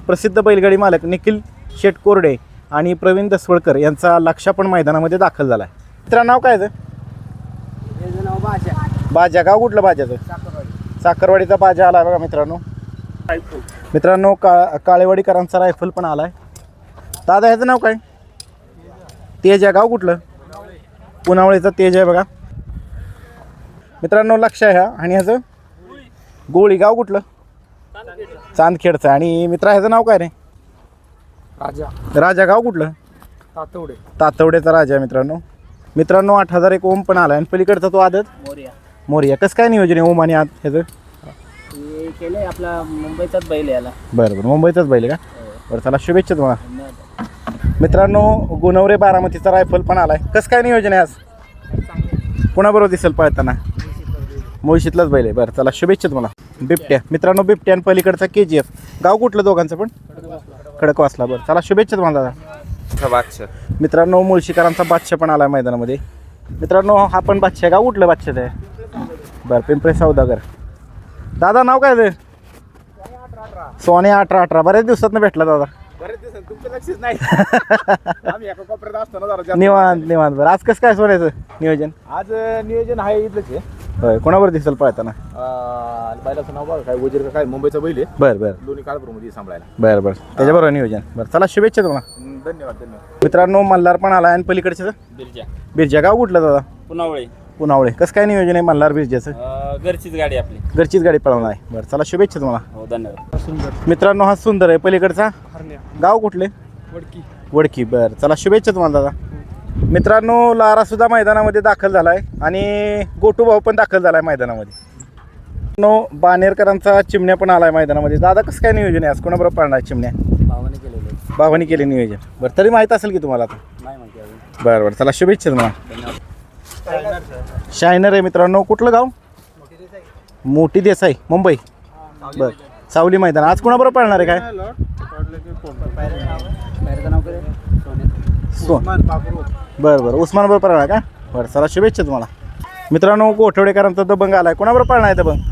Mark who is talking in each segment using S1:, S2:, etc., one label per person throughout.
S1: प्रसिद्ध बैलगाडी मालक निखिल शेट कोरडे आणि प्रवीण दसवळकर यांचा लक्ष पण मैदानामध्ये दाखल झाला आहे. मित्रांनो नाव काय
S2: नाव बाजा.
S1: बाजा. गाव कुठलं बाजाचं? साखरवाडीचा बाजा आला बघा मित्रांनो. मित्रांनो काळेवाडीकरांचा रायफल पण आलाय. दादा ह्याचं नाव काय? तेज आहे. गाव कुठलं? पुनावळीचा तेज आहे बघा मित्रांनो. लक्ष आहे ह्या. आणि ह्याचं गोळी. गाव कुठलं? चांदखेडचं. आणि मित्रा ह्याचं नाव काय रे?
S2: राजा.
S1: राजा. गाव कुठलं?
S2: तातवडे.
S1: तातवड्याचा राजा आहे मित्रांनो. मित्रांनो 8001 ओम पण आला. आणि पलीकडचा तो आदत
S2: मोरिया.
S1: मोरिया. कसं काय नियोजन आहे ओम आणि आद ह्याचं?
S2: हे केलंय आपला मुंबईचाच बैल याला.
S1: बरं बरं. मुंबईचाच बैल का? बरं चला शुभेच्छा तुम्हाला. मित्रांनो गुणवरे बारामतीचा रायफल पण आलाय. कसं काय नियोजन आहे आज? कोणाबरोबर दिसेल पळताना? मुळशीतलाच बैल आहे. बरं चला शुभेच्छा तुम्हाला. बिबट्या. मित्रांनो बिबट्या आणि पलीकडचा KGF. गाव कुठलं दोघांचं पण? खडकवासला. बरं चला शुभेच्छा तुम्हाला दादा.
S3: बादशाह.
S1: मित्रांनो मुळशीकरांचा बादशाह पण आला मैदानामध्ये. मित्रांनो हा पण बादशाह. गाव कुठलं बादशाह आहे? बरं पिंपळे सौदागर. दादा नाव काय ते? सोने 1818. बऱ्याच दिवसात भेटला दादा.
S3: बरेच दिवस तुमचं लक्षच नाही. आम्ही एका कोपऱ्यात असतो ना जरा.
S1: निवांत निवांत. बरं आज कसं काय सोन्याचं नियोजन?
S3: आज नियोजन आहे इथलंच आहे.
S1: होय. कोणाबरोबर दिसेल पळताना?
S3: बैलाचं नाव बघा काय वजीर का काय मुंबईचा बैल आहे.
S1: बरं बरं
S3: दोन्ही काळपूरमध्ये सांभाळायला.
S1: बरं बरं त्याच्याबरोबर नियोजन. बरं चला शुभेच्छा तुम्हाला.
S3: धन्यवाद धन्यवाद.
S1: मित्रांनो मल्हार पण आला. आणि पलीकडचं
S2: बिरजा.
S1: बिरजा. गाव कुठलं दादा?
S2: पुनावळे.
S1: पुनावळे. कसं काय नियोजन आहे मल्हार बिरजाचं?
S2: घरचीच गाडी आपली.
S1: घरचीच गाडी पळवणार आहे. बरं चला शुभेच्छा तुम्हाला.
S2: हो धन्यवाद. सुंदर.
S1: मित्रांनो हा सुंदर आहे. पलीकडचा गाव कुठले?
S2: वडकी.
S1: वडकी. बरं चला शुभेच्छा तुम्हाला दादा. मित्रांनो लारा सुद्धा मैदानामध्ये दाखल झाला आहे. आणि गोटू भाऊ पण दाखल झाला आहे मैदानामध्ये. मित्रांनो बानेरकरांचा चिमण्या पण आला आहे मैदानामध्ये. दादा कसं काय नियोजन आहे आज? कोणाबरोबर पळणार आहे चिमण्या?
S2: भावाने केलेलं.
S1: भावानी केले नियोजन. बरं तरी माहीत असेल की तुम्हाला आता?
S2: नाही माहिती अजून.
S1: बरं बरं चला शुभेच्छा तुम्हाला.
S2: धन्यवाद.
S1: शायनर आहे मित्रांनो. कुठलं गाव? मोठी देसाई मुंबई. बरं सावली मैदान. आज कोणाबरोबर पळणार आहे काय?
S2: बाहेरचं नाव काय?
S1: बरं बरं उस्मान बरोबर पळणार का? बरं चला शुभेच्छा तुम्हाला. मित्रांनो गोठवडेकरांचा दबंग आलाय. कोणाबरोबर पळणार आहे दबंग?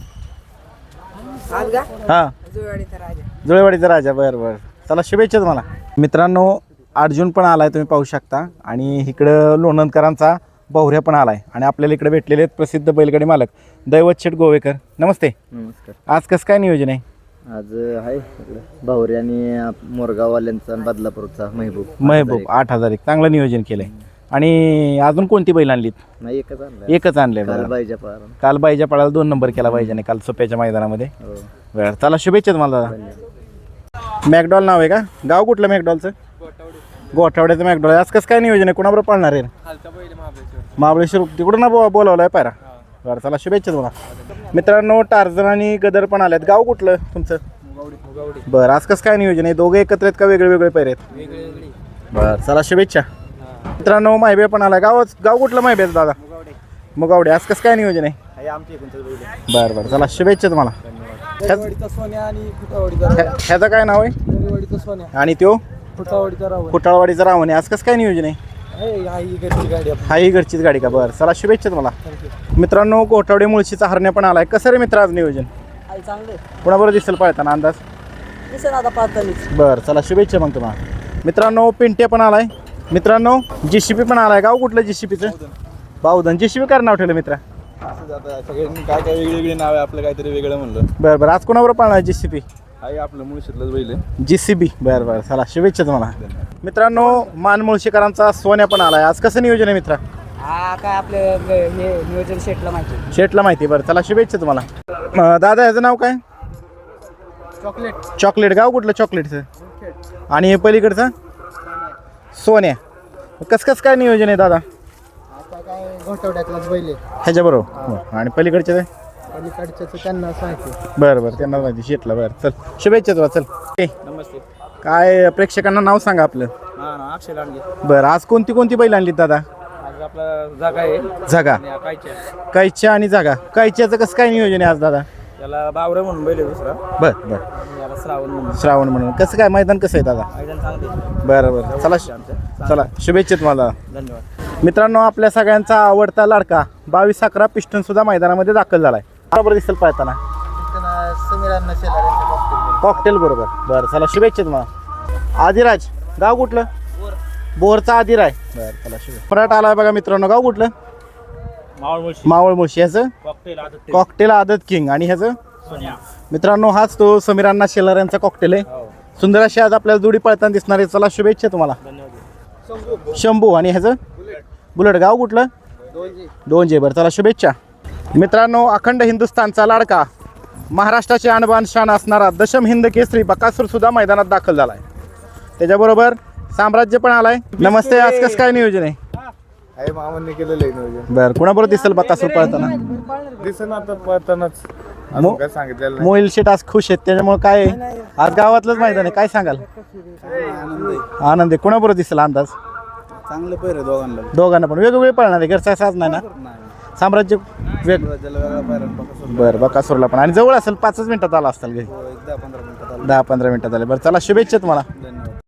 S1: हां जुळेवाडीचा राजा. बरं बरं चला शुभेच्छा तुम्हाला. मित्रांनो अर्जुन पण आलाय तुम्ही पाहू शकता. आणि इकडं लोणंदकरांचा बहुऱ्या पण आलाय. आणि आपल्याला इकडे भेटलेले आहेत प्रसिद्ध बैलगाडी मालक दैवत शेठ गोवेकर. नमस्ते.
S4: नमस्कार.
S1: आज कसं काय नियोजन आहे?
S4: आज आहे भावरे आणि मोरगाववाल्यांचा आणि बदलापूरचा महबूब.
S1: 8001. चांगलं नियोजन केलंय. आणि अजून कोणती बैल आणलीत?
S4: नाही एकच आणला.
S1: एकच आणलंय.
S4: काल
S1: बरं
S4: बाईच्या पारा.
S1: काल बाईच्या पळाला 2 नंबर केला पाहिजे काल सोप्याच्या मैदानामध्ये.
S4: हो.
S1: बरं चला शुभेच्छा तुम्हाला दादा. मॅकडॉल नाव आहे का? गाव कुठलं मॅकडॉलचं? गोठावड्याचं मॅकडॉल. आज कसं काय नियोजन आहे? कोणाबरोबर पाळणार आहे? महाबळेश्वर. तिकडून ना बोलावलं आहे पायरा. बरं चला शुभेच्छा तुम्हाला. मित्रांनो टार्झन आणि गदर पण आल्यात. गाव कुठलं तुमचं? बरं आज कसं काय नियोजन आहे? दोघे एकत्र आहेत का वेगळे वेगळे पैरे आहेत? बरं चला शुभेच्छा. मित्रांनो माहिबे पण आला. गाव कुठलं माहिबे दादा? मुगावडे. आज कसं काय नियोजन आहे? बरं बरं चला शुभेच्छा तुम्हाला. ह्याचं काय नाव आहे? आणि तो फुटाळवाडीचा रावण आहे. आज कसं काय नियोजन आहे? हा ही घरचीच गाडी का? बरं चला शुभेच्छा तुम्हाला. मित्रांनो कोठावडे मुळशीचा हरण्या पण आलाय. कसं रे मित्र आज नियोजन? कोणाबरोबर दिसेल पळताना अंदाज? बरं चला शुभेच्छा मग तुम्हाला. मित्रांनो पिंट्या पण आलाय. मित्रांनो JCP पण आलाय. गाव कुठलं JCPचं? बावधन. JCP काय नाव ठेवलं मित्रा?
S3: सगळ्यांनी काय काय वेगळी वेगळी नाव आहे. आपलं काहीतरी वेगळं म्हणलं.
S1: बरं बरं आज कोणाबरोबर पळणार JCP?
S3: आहे आपलं मुळशीतलंच बैल आहे.
S1: JCB. बरं बरं चला शुभेच्छा तुम्हाला. मित्रांनो मान मुळशीकरांचा सोन्या पण आलाय. आज कसं नियोजन आहे मित्रा?
S2: हा काय आपलं हे नियोजन शेटला माहिती.
S1: शेटला माहिती. बरं चला शुभेच्छा तुम्हाला. दादा ह्याचं नाव काय? चॉकलेट. गाव कुठलं चॉकलेटचं? आणि हे पलीकडचं? सोन्या. कसं कसं काय नियोजन आहे दादा?
S4: घोटवड्यातलाच बैल
S1: ह्याच्याबरोबर. आणि पलीकडचे
S4: त्यांना माहिती.
S1: बरं बरं त्यांना माहिती शेटला. बरं चल शुभेच्छा तुला. चल
S2: नमस्ते.
S1: काय प्रेक्षकांना नाव सांगा आपलं.
S2: अक्षय लांडगे.
S1: बरं आज कोणती कोणती बैल आणलीत दादा?
S2: आज आपला जागा आहे.
S1: जागा. कायच्या आणि जागा. कायच्याचं कसं काय नियोजन आहे आज दादा?
S2: त्याला बावरे म्हणून बैल आहे दुसरा.
S1: बरं बरं
S2: याला श्रावण म्हणून.
S1: श्रावण म्हणून. कसं काय मैदान कसं आहे दादा?
S2: मैदान चांगले.
S1: बरं बरं चला चला शुभेच्छा तुम्हाला.
S2: धन्यवाद.
S1: मित्रांनो आपल्या सगळ्यांचा आवडता लाडका 22-11 पिस्टन सुद्धा मैदानामध्ये दाखल झालाय. बरोबर दिसेल पळताना.
S4: समीरांना शेलार
S1: कॉकटेल बरोबर. बरं चला शुभेच्छा तुम्हाला. आदिराज गाव कुठलं? बोरचा आदिर आहे. बरं चला शुभेच्छा. फराट आलाय बघा मित्रांनो. गाव कुठलं? मावळ मुळशी. ह्याचं कॉकटेल आदत किंग. आणि ह्याचं मित्रांनो हाच तो समीरांना शेलार यांचा कॉकटेल आहे. सुंदर अशी आज आपल्याला जोडी पळताना दिसणार आहे. चला शुभेच्छा तुम्हाला. शंभू. आणि ह्याचं बुलेट. गाव कुठलं? दोनजे. बरं चला शुभेच्छा मित्रांनो. अखंड हिंदुस्थानचा लाडका, महाराष्ट्राचे आणबान शान असणारा दशम हिंद केसरी बकासूर सुद्धा मैदानात दाखल झाला आहे. त्याच्याबरोबर साम्राज्य पण आलाय. नमस्ते. आज कसं काय नियोजन आहे?
S3: मामांनी केलेलं आहे नियोजन.
S1: बरं कुणाबरोबर दिसेल बकासूर पळताना?
S3: दिसन आता पळतानाच काय सांगितलेलं
S1: मोहिल शेट आज खुश आहेत त्याच्यामुळे काय आहे? आज गावातलंच मैदान आहे. काय सांगाल? आनंद आहे. कुणाबरोबर दिसेल अंदाज?
S3: चांगलं पैर दोघांना.
S1: दोघांना पण वेगवेगळे पळणार आहे. घरचा साज नाही ना? साम्राज्य वेग. बरं बकासूरला पण. आणि जवळ असेल 5 मिनिटात आला असताल घरी. 10-15 मिनिटात आले. बरं चला शुभेच्छा तुम्हाला.